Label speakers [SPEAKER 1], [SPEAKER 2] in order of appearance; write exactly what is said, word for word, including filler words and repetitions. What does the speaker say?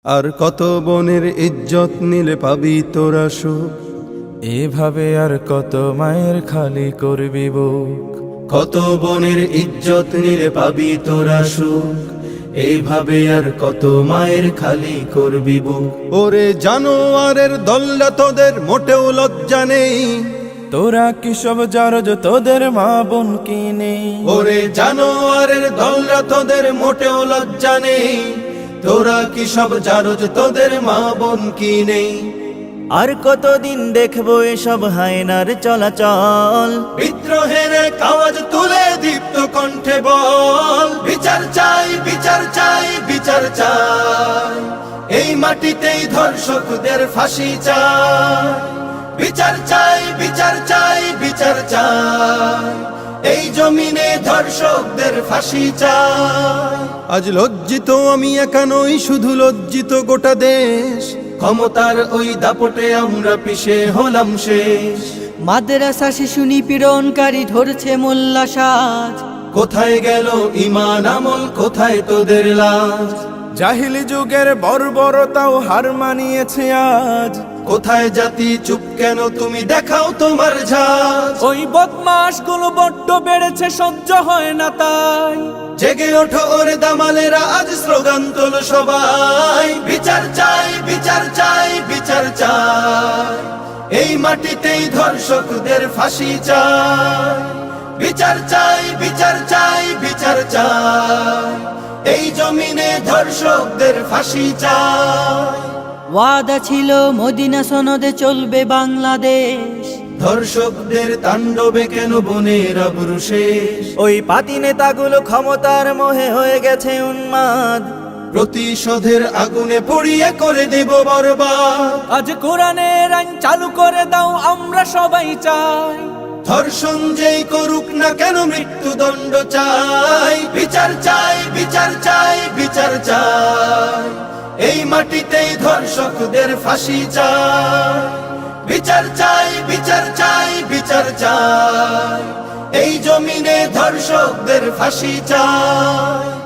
[SPEAKER 1] আর কত বনের ইজ্জত নিলে পাবি তোরা সুখ,
[SPEAKER 2] এভাবে আর কত মায়ের খালি করবি বুক।
[SPEAKER 1] কত বনের ইজ্জত নিলে পাবি তোরা সুখ, এইভাবে আর কত মায়ের খালি করবি বুক। ওরে জানোয়ারের দল্লা তোদের মোটেও লজ্জা নেই,
[SPEAKER 2] তোরা কি সব জারজ তোদের মা বোন কিনে।
[SPEAKER 1] ওরে জানোয়ারের দল্লা তোদের মোটেও লজ্জা নেই, তোরা কি সব জারজ তোদের মা বোন কিনে।
[SPEAKER 3] আর কতদিন দেখবো এসব হায়নার চলাচল,
[SPEAKER 1] বিদ্রোহের আওয়াজ তুলে দীপ্ত কণ্ঠে বল, বিচার চাই বিচার চাই বিচার চাই, এই মাটিতেই ধর্ষকদের ফাঁসি চাই। বিচার চাই বিচার চাই বিচার চাই, এই জমিনে ধর্ষকদের ফাঁসি চাই। আজ লজ্জিত আমি একা নই, শুধু লজ্জিত গোটা দেশ, ক্ষমতার ওই দাপটে আমরা পিছে হলাম শেষ।
[SPEAKER 4] মাদ্রাসা শিশু নিপীড়নকারী ধরছে মোল্লা সাজ,
[SPEAKER 1] কোথায় গেল ঈমান আমল, কোথায় তোদের লাজ।
[SPEAKER 2] জাহিলি যুগের বর্বরতাও হার মানিয়েছে আজ,
[SPEAKER 1] কোথায় জাতি চুপ কেন, তুমি দেখাও তোমার ঝাঁজ।
[SPEAKER 2] ওই বদমাস গুলো বড্ড বেড়েছে, সহ্য হয় না তাই।
[SPEAKER 1] জেগে ওঠো ওরে দামালেরা, আজ স্লোগান তোলো সবাই, বিচার চাই বিচার চাই বিচার চাই, এই মাটিতেই ধর্ষকদের ফাঁসি চাই। বিচার চাই বিচার চাই বিচার চাই, এই জমিনে ধর্ষকদের ফাঁসি চাই।
[SPEAKER 4] ওয়াদা ছিল মদিনা সনদে চলবে বাংলাদেশ,
[SPEAKER 1] ধর্ষকদের তাণ্ডবে কেন বনের আবরু শেষ।
[SPEAKER 3] ওই পাতি নেতাগুলো ক্ষমতার মোহে হয়ে গেছে উন্মাদ,
[SPEAKER 1] প্রতিশোধের আগুনে পড়িয়ে করে দেব বরবাদ।
[SPEAKER 2] আজ কোরআনের আইন চালু করে দাও, আমরা সবাই চাই।
[SPEAKER 1] ধর্ষণ যেই করুক না কেন মৃত্যুদণ্ড চাই। বিচার চাই বিচার চাই বিচার চাই, এই মাটিতেই ধর্ষকদের ফাঁসি চাই। বিচার চাই বিচার চাই বিচার চাই, এই জমিনে ধর্ষকদের ফাঁসি চাই।